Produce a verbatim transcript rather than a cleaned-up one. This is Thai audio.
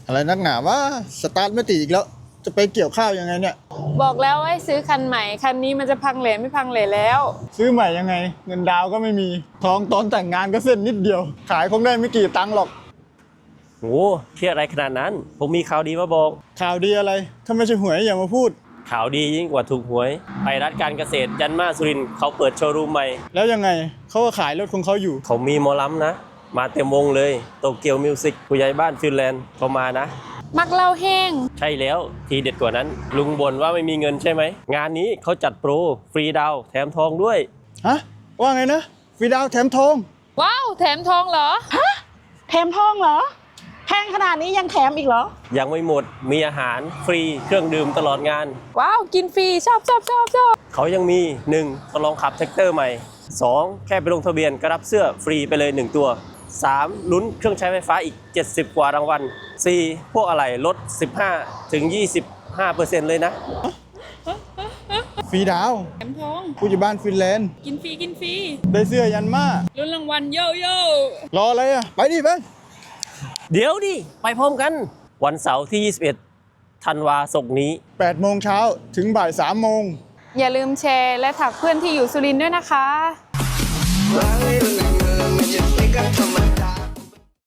อะไรนักหนาว่าสตาร์ทไม่ติดอีกแล้วจะไปเกี่ยวข้าวยังไงเนี่ยบอกแล้วให้ซื้อคันใหม่คันนี้มันจะพังเหลไม่พังเหลแล้วซื้อใหม่ยังไงเงินดาวก็ไม่มีทองตอนแต่งงานก็เส้นนิดเดียวขายคงได้ไม่กี่ตังค์หรอกโอ้เครียดอะไรขนาดนั้นผมมีข่าวดีมาบอกข่าวดีอะไรถ้าไม่ใช่หวยอย่ามาพูดข่าวดียิ่งกว่าถูกหวยไปรัฐการเกษตรยันมาสุรินทร์เขาเปิดโชว์รูมใหม่แล้วยังไงเขาก็ขายรถของเขาอยู่เขามีหมอลำนะมาเต็มวงเลยโตเกียวมิวสิกผู้ใหญ่บ้านฟินแลนด์เขามานะมักเล่าแห้งใช่แล้วทีเด็ดกว่านั้นลุงบ่นว่าไม่มีเงินใช่ไหมงานนี้เขาจัดโปรฟรีดาวแถมทองด้วยฮะว่าไงนะฟรีดาวแถมทองว้าวแถมทองเหรอฮะแถมทองเหรอแพงขนาดนี้ยังแถมอีกเหรอยังไม่หมดมีอาหารฟรีเครื่องดื่มตลอดงานว้าวกินฟรีชอบชอบชอบชอบเขายังมีหนึ่งทดลองขับแท็กเตอร์ใหม่สองแค่ไปลงทะเบียนก็รับเสื้อฟรีไปเลยหนึ่งตัวสามลุ้นเครื่องใช้ไฟฟ้าอีกเจ็ดสิบกว่ารางวัลสี่พวกอะไรลด สิบห้าถึงยี่สิบห้าเปอร์เซ็นต์ เลยนะฟรีดาวแถมทองผู้จัดบ้านฟินแลนด์กินฟรีกินฟรีได้เสื้อยันมาลุ้นรางวัลโย่โย่รออะไรอ่ะไปดิไปเดี๋ยวดิไปพร้อมกันวันเสาร์ที่ยี่สิบเอ็ดธันวาคมนี้แปดโมงเช้าถึงบ่ายสามโมงอย่าลืมแชร์และถักเพื่อนที่อยู่สุรินทร์ด้วยนะคะ